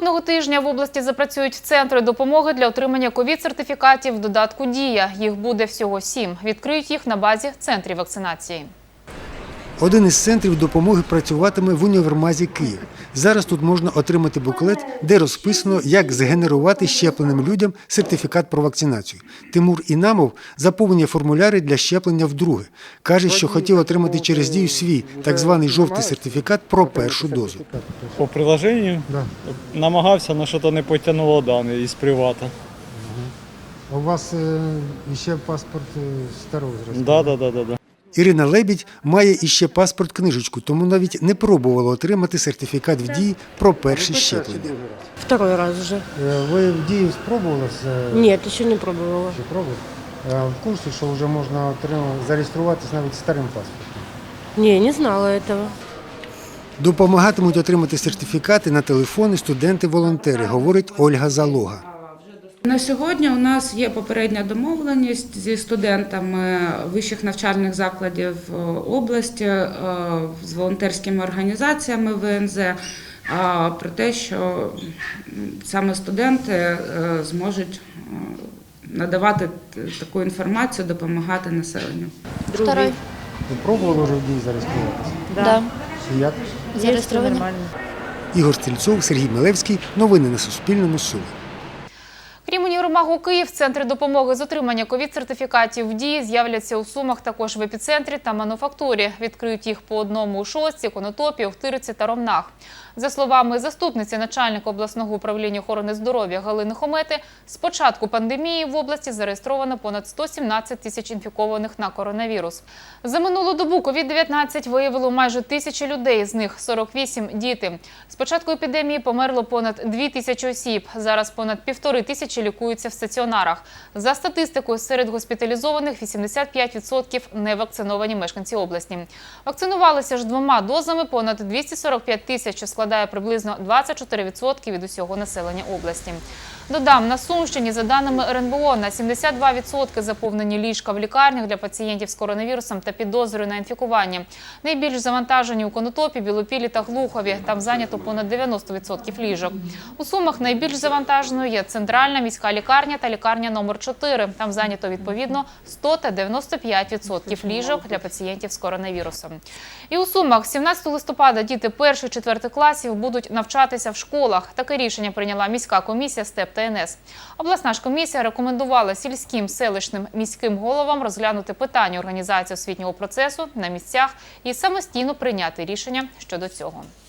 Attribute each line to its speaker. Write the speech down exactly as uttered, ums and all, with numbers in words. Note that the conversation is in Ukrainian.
Speaker 1: наступного тижня в області запрацюють центри допомоги для отримання ковід-сертифікатів в додатку «Дія». Їх буде всього сім. Відкриють їх на базі центрів вакцинації.
Speaker 2: Один із центрів допомоги працюватиме в універмазі «Київ». Зараз тут можна отримати буклет, де розписано, як згенерувати щепленим людям сертифікат про вакцинацію. Тимур Інамов заповнює формуляри для щеплення вдруге. Каже, що хотів отримати через «Дію» свій так званий жовтий сертифікат про першу дозу.
Speaker 3: По приложенню
Speaker 2: Да.
Speaker 3: намагався, але щось не потягнуло дані із привата.
Speaker 2: У вас ще паспорт старого зразку?
Speaker 3: Да, да, да, да, да.
Speaker 2: Ірина Лебідь має іще паспорт-книжечку, тому навіть не пробувала отримати сертифікат в «Дії» про перше щеплення.
Speaker 4: Второй раз уже.
Speaker 2: Ви в «Дію» спробували?
Speaker 4: Нет, еще не пробовала.
Speaker 2: Ще пробували? В курсі, що вже можна зареєструватися навіть старим паспортом?
Speaker 4: Не, не знала этого.
Speaker 2: Допомагатимуть отримати сертифікати на телефони студенти-волонтери, говорить Ольга Залога.
Speaker 5: На сьогодні у нас є попередня домовленість зі студентами вищих навчальних закладів області, з волонтерськими організаціями В Н З, про те, що саме студенти зможуть надавати таку інформацію, допомагати населенню.
Speaker 4: Второй.
Speaker 2: Ви пробували вже в «Дії» зареєструватися?
Speaker 4: Да.
Speaker 2: І як?
Speaker 4: Зареєстровані.
Speaker 2: Ігор Стрільцов, Сергій Милевський. Новини на Суспільному. Суми.
Speaker 1: Крім універмагу «Київ», центри допомоги з отримання ковід-сертифікатів в «Дії» з'являться у Сумах також в «Епіцентрі» та «Мануфактурі». Відкриють їх по одному у Шостці, Конотопі, Охтириці та Ромнах. За словами заступниці начальника обласного управління охорони здоров'я Галини Хомети, з початку пандемії в області зареєстровано понад сто сімнадцять тисяч інфікованих на коронавірус. За минулу добу ковід дев'ятнадцять виявило майже тисячі людей, з них сорок вісім – діти. З початку епідемії померло понад дві тисячі осіб. Зараз понад півтори тисячі лікуються в стаціонарах. За статистикою, серед госпіталізованих вісімдесят п'ять відсотків невакциновані мешканці області. Вакцинувалися ж двома дозами понад двісті сорок п'ять тисяч, що складає приблизно двадцять чотири відсотки від усього населення області. Додам, на Сумщині, за даними Ер Ен Бе О, на сімдесят два відсотки заповнені ліжка в лікарнях для пацієнтів з коронавірусом та підозрою на інфікування. Найбільш завантажені у Конотопі, Білопіллі та Глухові. Там зайнято понад дев'яносто відсотків ліжок. У Сумах найбільш завантаженою є центральна міська лікарня та лікарня номер чотири. Там зайнято відповідно сто та дев'яносто п'ять відсотків ліжок для пацієнтів з коронавірусом. І у Сумах сімнадцятого листопада діти перших-четвертих класів будуть навчатися в школах. Таке рішення прийняла міська комісія СТЕП та Ен Ес. Обласна ж комісія рекомендувала сільським, селищним, міським головам розглянути питання організації освітнього процесу на місцях і самостійно прийняти рішення щодо цього.